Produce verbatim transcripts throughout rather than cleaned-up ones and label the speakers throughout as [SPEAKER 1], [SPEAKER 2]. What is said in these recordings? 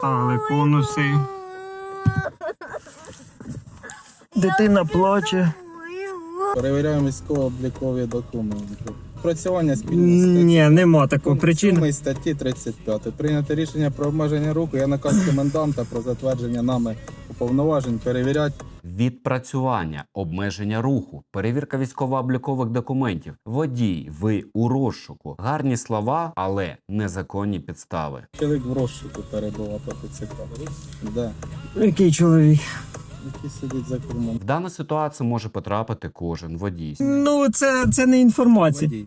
[SPEAKER 1] Але конуси. Дитина плаче.
[SPEAKER 2] Перевіряємо військово-облікові документи. Працювання спільно статті.
[SPEAKER 1] Ні, нема такого
[SPEAKER 2] Пункт
[SPEAKER 1] причин.
[SPEAKER 2] сьомий статті тридцять п'ять. Прийняти рішення про обмеження руху. Є наказ коменданта про затвердження нами уповноважень перевіряти.
[SPEAKER 3] Відпрацювання, обмеження руху, перевірка військово-облікових документів, водій, ви у розшуку. Гарні слова, але незаконні підстави.
[SPEAKER 2] Чоловік в розшуку перебував по ТЦК. Да.
[SPEAKER 1] Який чоловік?
[SPEAKER 2] Який сидить за кермом.
[SPEAKER 3] В дану ситуацію може потрапити кожен водій.
[SPEAKER 1] Ну, це, це не інформація.
[SPEAKER 2] Водій.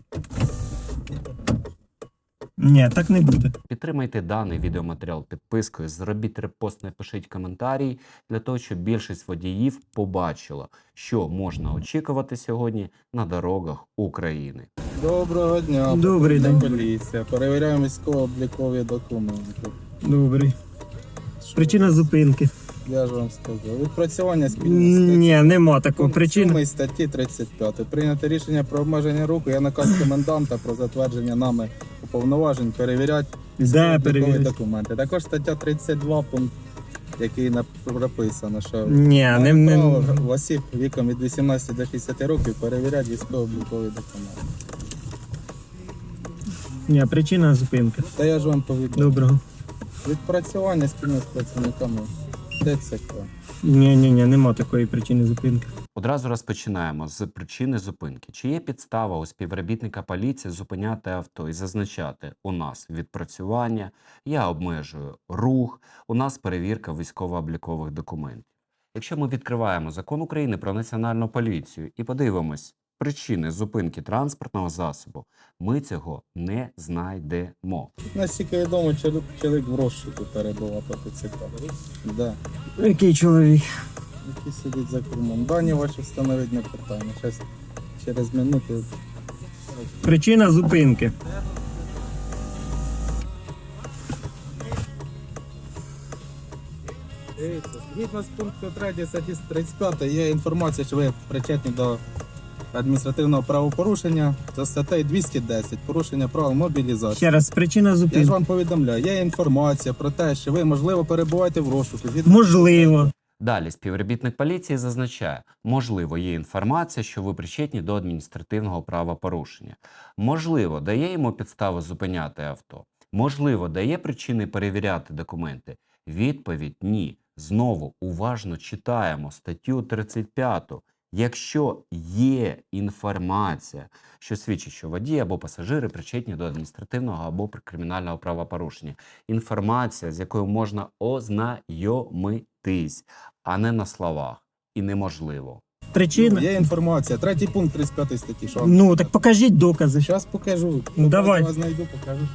[SPEAKER 1] Ні, так не буде.
[SPEAKER 3] Підтримайте даний відеоматеріал підпискою, зробіть репост, напишіть коментарі, для того, щоб більшість водіїв побачила, що можна очікувати сьогодні на дорогах України.
[SPEAKER 2] Доброго дня.
[SPEAKER 1] Добрий
[SPEAKER 2] патрульна
[SPEAKER 1] день.
[SPEAKER 2] Поліція. Перевіряємо військово-облікові документи.
[SPEAKER 1] Добрий. Причина зупинки.
[SPEAKER 2] Я ж вам сказав. Відпрацювання спільно статті.
[SPEAKER 1] Ні, нема такого
[SPEAKER 2] Пункт
[SPEAKER 1] причин.
[SPEAKER 2] сьомий статті тридцять п'ять. Прийняти рішення про обмеження руху. Є наказ коменданта про затвердження нами уповноважень перевіряти
[SPEAKER 1] Де
[SPEAKER 2] військово-облікові
[SPEAKER 1] перевіряти?
[SPEAKER 2] документи. Також стаття тридцять два, пункт, який нап- прописано, що
[SPEAKER 1] Ні, не,
[SPEAKER 2] маємо
[SPEAKER 1] не,
[SPEAKER 2] право в осіб віком від вісімнадцяти до шістдесяти років перевіряти військово-облікові документи.
[SPEAKER 1] ні, причина зупинки.
[SPEAKER 2] Та я ж вам повідомив.
[SPEAKER 1] Доброго.
[SPEAKER 2] Відпрацювання спільно з працівниками ТЦК.
[SPEAKER 1] Ні, ні, ні, нема такої причини зупинки.
[SPEAKER 3] Одразу розпочинаємо з причини зупинки. Чи є підстава у співробітника поліції зупиняти авто і зазначати: у нас відпрацювання, я обмежую рух, у нас перевірка військово-облікових документів. Якщо ми відкриваємо Закон України про національну поліцію і подивимось причини зупинки транспортного засобу, ми цього не знайдемо.
[SPEAKER 2] Наскільки відомо, чоловік, чоловік в розшуку перебував по ТЦК. Да.
[SPEAKER 1] Який чоловік?
[SPEAKER 2] Який сидить за кермом. Дані ваші встановить на питання. Щас, через минуту.
[SPEAKER 1] Причина зупинки.
[SPEAKER 2] Дивіться, згідно з пункту третього статті тридцять п'ять є інформація, що ви причетні до адміністративного правопорушення за статтею двісті десять порушення правил мобілізації.
[SPEAKER 1] Ще раз, причина
[SPEAKER 2] Я ж
[SPEAKER 1] зупинки.
[SPEAKER 2] вам повідомляю, є інформація про те, що ви, можливо, перебуваєте в розшуку. Згідно-
[SPEAKER 1] Можливо.
[SPEAKER 3] Далі співробітник поліції зазначає: можливо, є інформація, що ви причетні до адміністративного правопорушення. Можливо, дає йому підстави зупиняти авто. Можливо, дає причини перевіряти документи. Відповідь – ні. Знову уважно читаємо статтю тридцять п'ять. Якщо є інформація, що свідчить, що водії або пасажири причетні до адміністративного або кримінального правопорушення, інформація, з якою можна ознайомитись, а не на словах, і неможливо.
[SPEAKER 1] Причина?
[SPEAKER 2] Є інформація. Третій пункт тридцять п'ятої статті. Що вам?
[SPEAKER 1] Ну, так покажіть докази.
[SPEAKER 2] Зараз покажу.
[SPEAKER 1] Ну, давай.
[SPEAKER 2] Я вас знайду, покажу.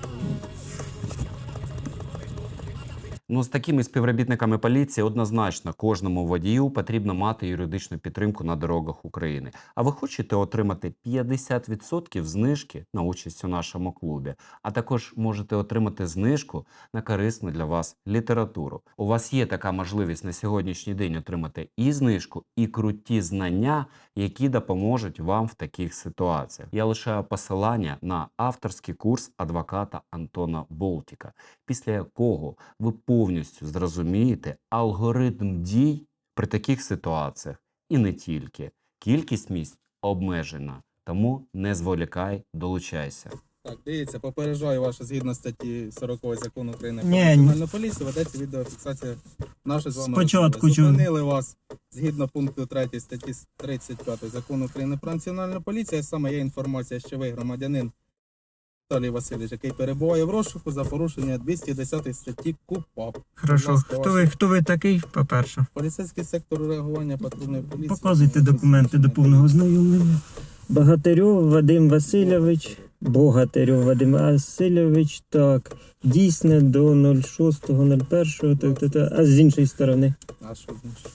[SPEAKER 3] Ну, з такими співробітниками поліції однозначно кожному водію потрібно мати юридичну підтримку на дорогах України. А ви хочете отримати п'ятдесят відсотків знижки на участь у нашому клубі, а також можете отримати знижку на корисну для вас літературу. У вас є така можливість на сьогоднішній день отримати і знижку, і круті знання, які допоможуть вам в таких ситуаціях. Я лишаю посилання на авторський курс адвоката Антона Болтіка, після якого ви повністю зрозумієте алгоритм дій при таких ситуаціях. І не тільки. Кількість місць обмежена, тому не зволікай, долучайся.
[SPEAKER 2] Так, дивіться, попереджаю вас, що згідно статті сорокової закону України про
[SPEAKER 1] Ні,
[SPEAKER 2] національну поліцію ведеться відеофіксація нашої з вами
[SPEAKER 1] Спочатку
[SPEAKER 2] розмови.
[SPEAKER 1] чого?
[SPEAKER 2] Зупинили вас згідно пункту третього статті тридцять п'ять закону України про національну поліцію. Саме є інформація, що ви громадянин Віталій Васильович, який перебуває в розшуку за порушення двісті десятої статті КУПАП.
[SPEAKER 1] Хорошо.
[SPEAKER 2] Будь ласка,
[SPEAKER 1] Хто ви, хто ви такий, по-перше?
[SPEAKER 2] Поліцейський сектор реагування патрульної поліції.
[SPEAKER 1] Показуйте документи до повного ознайомлення. Богатирьов Вадим Васильович. Богатирьов Вадим Васильович. Так. Дійсне до нуль шостого нуль першого. Так, так, так. А з іншої сторони.
[SPEAKER 2] А що значить?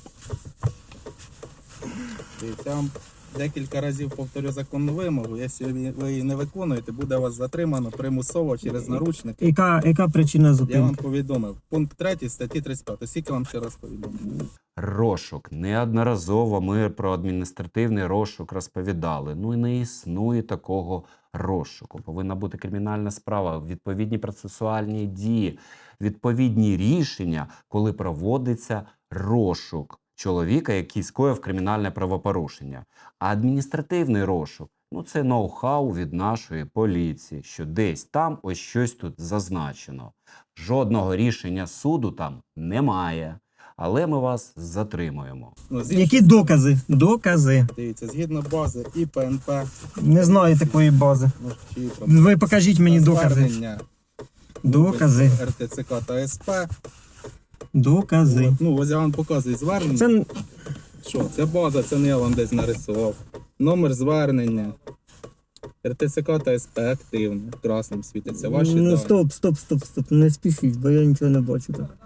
[SPEAKER 2] Дивіться, я вам декілька разів повторю законну вимогу. Якщо ви її не виконуєте, буде вас затримано примусово через наручники.
[SPEAKER 1] Яка, яка причина
[SPEAKER 2] Я вам
[SPEAKER 1] зупинки?
[SPEAKER 2] повідомив. Пункт третій статті тридцять п'ять. Скільки вам ще раз повідомив?
[SPEAKER 3] Розшук. Неодноразово ми про адміністративний розшук розповідали. Ну і не існує такого розшуку. Повинна бути кримінальна справа, відповідні процесуальні дії. відповідні рішення, коли проводиться розшук чоловіка, який скоїв кримінальне правопорушення. А адміністративний розшук – ну це ноу-хау від нашої поліції, що десь там ось щось тут зазначено. Жодного рішення суду там немає. Але ми вас затримуємо.
[SPEAKER 2] Ну, з
[SPEAKER 1] Які
[SPEAKER 2] іншої
[SPEAKER 1] докази? Докази.
[SPEAKER 2] Дивіться, згідно бази і П Н П,
[SPEAKER 1] Не знаю такої бази.
[SPEAKER 2] ну, чи там
[SPEAKER 1] Ви покажіть мені докази.
[SPEAKER 2] звернення
[SPEAKER 1] Докази.
[SPEAKER 2] Р Т Ц К та С П.
[SPEAKER 1] Докази.
[SPEAKER 2] Ну, ось я вам показую звернення.
[SPEAKER 1] Це
[SPEAKER 2] Що, це база, це не я вам десь нарисував. Номер звернення. Р Т Ц К та С П активно, красним світиться. Ваші
[SPEAKER 1] ну
[SPEAKER 2] дані.
[SPEAKER 1] стоп, стоп, стоп, стоп. Не спішіть, бо я нічого не бачу так.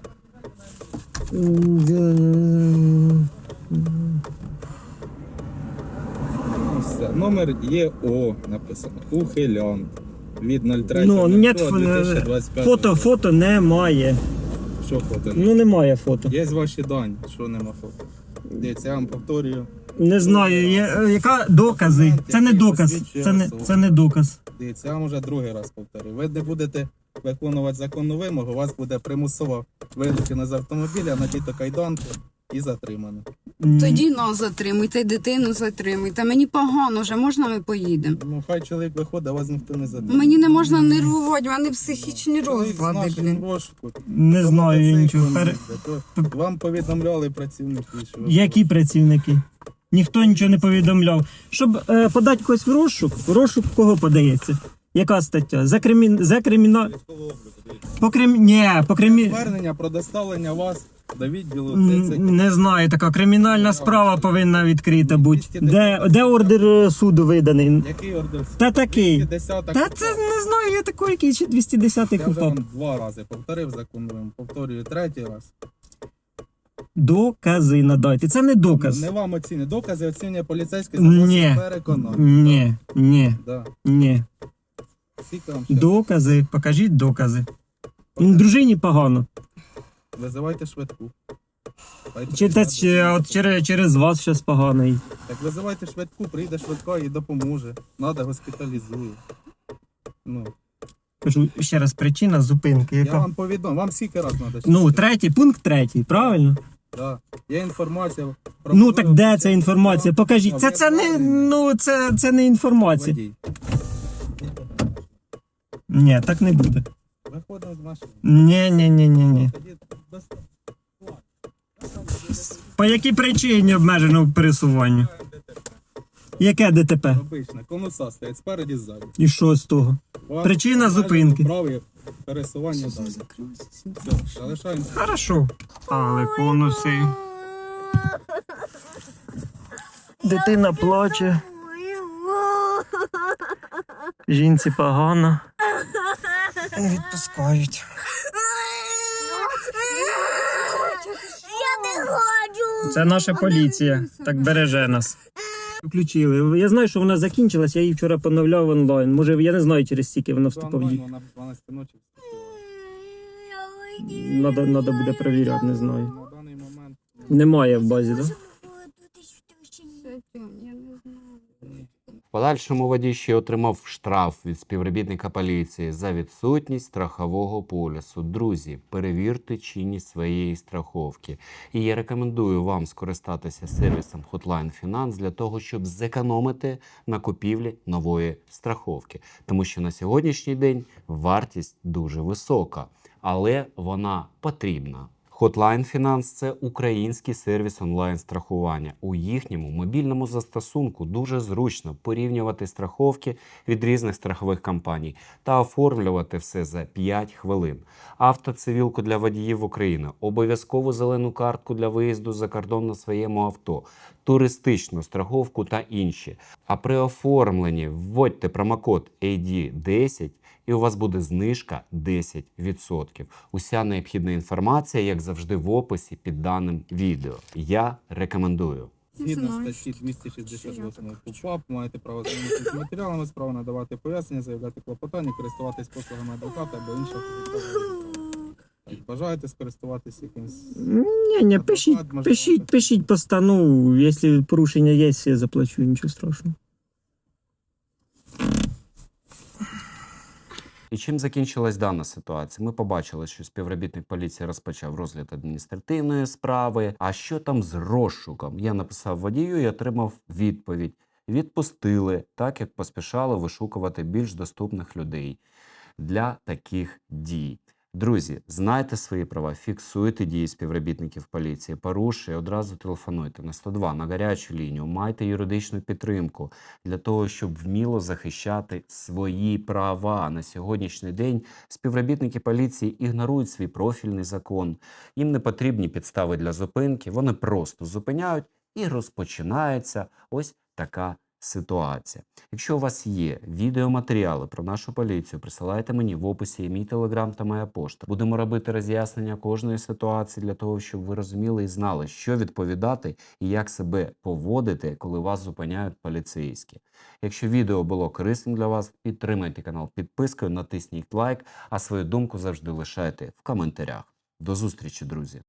[SPEAKER 2] Ну, все. Номер Є О написано. Ухилянт. Від нуль три
[SPEAKER 1] Ну, ні,
[SPEAKER 2] дві тисячі двадцять п'ятого
[SPEAKER 1] фото,
[SPEAKER 2] року.
[SPEAKER 1] фото немає.
[SPEAKER 2] Що фото?
[SPEAKER 1] Ну немає фото.
[SPEAKER 2] Є ваші дані, що нема фото. Дивіться, я вам повторюю.
[SPEAKER 1] Не знаю, є, яка докази. Це не доказ. Це не, це не доказ.
[SPEAKER 2] Дивіться, я вам вже другий раз повторюю. Ви не будете виконувати законну вимогу, у вас буде примусово вилучено з автомобіля, надіто кайданки і затримано.
[SPEAKER 4] Тоді нас затримуйте, дитину затримуйте. Мені погано вже, можна ми поїдемо?
[SPEAKER 2] Ну, хай чоловік виходить, а вас ніхто не затримує.
[SPEAKER 4] Мені не можна нервувати, в мене психічні
[SPEAKER 2] Чоловік з
[SPEAKER 4] розлади,
[SPEAKER 2] нашим
[SPEAKER 4] блін.
[SPEAKER 2] розшуку.
[SPEAKER 1] Не
[SPEAKER 2] По
[SPEAKER 1] знаю я
[SPEAKER 2] мотоциклу
[SPEAKER 1] нічого. Пер-
[SPEAKER 2] їздить. То Вам повідомляли працівники, що ви
[SPEAKER 1] Які працівники? Ніхто нічого не повідомляв. Щоб е, подати когось в розшук, в розшук кого подається? Яка стаття? За кримін... за криміна... По крим... Ні, по кримі...
[SPEAKER 2] звернення про доставлення вас до відділу
[SPEAKER 1] М,
[SPEAKER 2] Т Ц К.
[SPEAKER 1] Не знаю, така кримінальна справа повинна відкрита бути. Де, де ордер е, суду виданий?
[SPEAKER 2] Який ордер?
[SPEAKER 1] Та такий.
[SPEAKER 2] десята
[SPEAKER 1] Та це не знаю, я такий, який ще двісті десятий
[SPEAKER 2] Я вже
[SPEAKER 1] купав.
[SPEAKER 2] вам два рази повторив закон, вам повторюю третій раз.
[SPEAKER 1] Докази надайте. Це не доказ.
[SPEAKER 2] Не вам оціни. Докази оцінює поліцейський
[SPEAKER 1] Ні.
[SPEAKER 2] за переконання.
[SPEAKER 1] Ні, ні,
[SPEAKER 2] Да.
[SPEAKER 1] ні.
[SPEAKER 2] Скільки вам ще?
[SPEAKER 1] Докази, покажіть докази. М, Дружині погано.
[SPEAKER 2] Визивайте швидку. Хай
[SPEAKER 1] Чи, та,
[SPEAKER 2] приїде
[SPEAKER 1] чи,
[SPEAKER 2] до-
[SPEAKER 1] от через, через вас щось погано. й.
[SPEAKER 2] Так визивайте швидку, прийде швидка і допоможе. Надо госпіталізує. Ну,
[SPEAKER 1] Кажу ще раз, причина зупинки.
[SPEAKER 2] я
[SPEAKER 1] Яка?
[SPEAKER 2] вам повідомив, вам скільки раз треба?
[SPEAKER 1] Ну, третій, пункт третій, правильно?
[SPEAKER 2] Да. Є інформація про...
[SPEAKER 1] Ну так де ця інформація? Покажіть. Це, це не, ну, це, це не інформація.
[SPEAKER 2] Водій.
[SPEAKER 1] Ні, так не буде.
[SPEAKER 2] Виходимо з машини.
[SPEAKER 1] Ні, ні, ні, ні, ні.
[SPEAKER 2] Тоді доста-
[SPEAKER 1] По якій причині обмежено пересування? Яке Д Т П?
[SPEAKER 2] Обичне, конуса стоять спереді ззаді.
[SPEAKER 1] І що з того?
[SPEAKER 2] Вам
[SPEAKER 1] Причина
[SPEAKER 2] обмежено
[SPEAKER 1] зупинки.
[SPEAKER 2] Праві пересування далі. Все, залишаємося.
[SPEAKER 1] Хорошо. Але конуси. Дитина плаче. Жінці погано. Не відпускають.
[SPEAKER 5] Я не хочу.
[SPEAKER 1] Це наша поліція. Так береже нас. Включили. Я знаю, що вона закінчилась, я її вчора поновляв онлайн. Може, я не знаю, через скільки вона вступила в дію.
[SPEAKER 2] Вона в дванадцятій ночі вступила.
[SPEAKER 1] Надо, надо буде перевіряти, не знаю.
[SPEAKER 2] На даний момент
[SPEAKER 1] Немає в базі, так? Да?
[SPEAKER 4] Я не знаю.
[SPEAKER 3] В подальшому водій ще отримав штраф від співробітника поліції за відсутність страхового полісу. Друзі, перевірте чинність своєї страховки. І я рекомендую вам скористатися сервісом Hotline Finance для того, щоб зекономити на купівлі нової страховки. Тому що на сьогоднішній день вартість дуже висока, але вона потрібна. Hotline Finance – це український сервіс онлайн-страхування. У їхньому мобільному застосунку дуже зручно порівнювати страховки від різних страхових компаній та оформлювати все за п'ять хвилин. Автоцивілку для водіїв України, обов'язкову зелену картку для виїзду за кордон на своєму авто, туристичну страховку та інші. А при оформленні вводьте промокод ей ді десять і у вас буде знижка десять відсотків. Уся необхідна інформація, як завжди, в описі під даним відео. Я рекомендую.
[SPEAKER 2] згідно
[SPEAKER 4] знаю,
[SPEAKER 2] статті
[SPEAKER 4] що-
[SPEAKER 2] двісті шістдесят
[SPEAKER 4] що я
[SPEAKER 2] восьмої КУПАП маєте право знайомитися з матеріалами справи, надавати пояснення, заявляти клопотання, користуватись послугами адвоката або іншого фізичного. Бажаєте скористуватись якимось?
[SPEAKER 1] Ні, ні, пишіть, пишіть, пишіть постанову. Якщо порушення є, я заплачу, нічого страшного.
[SPEAKER 3] І чим закінчилась дана ситуація? Ми побачили, що співробітник поліції розпочав розгляд адміністративної справи. А що там з розшуком? Я написав водію і отримав відповідь. Відпустили, так як поспішали вишукувати більш доступних людей для таких дій. Друзі, знайте свої права, фіксуйте дії співробітників поліції, порушує, одразу телефонуйте на сто два, на гарячу лінію, майте юридичну підтримку для того, щоб вміло захищати свої права. На сьогоднішній день співробітники поліції ігнорують свій профільний закон, їм не потрібні підстави для зупинки, вони просто зупиняють і розпочинається ось така ситуація. Якщо у вас є відеоматеріали про нашу поліцію, присилайте мені в описі є мій телеграм та моя пошта. Будемо робити роз'яснення кожної ситуації для того, щоб ви розуміли і знали, що відповідати і як себе поводити, коли вас зупиняють поліцейські. Якщо відео було корисним для вас, підтримайте канал підпискою, натисніть лайк, а свою думку завжди лишайте в коментарях. До зустрічі, друзі!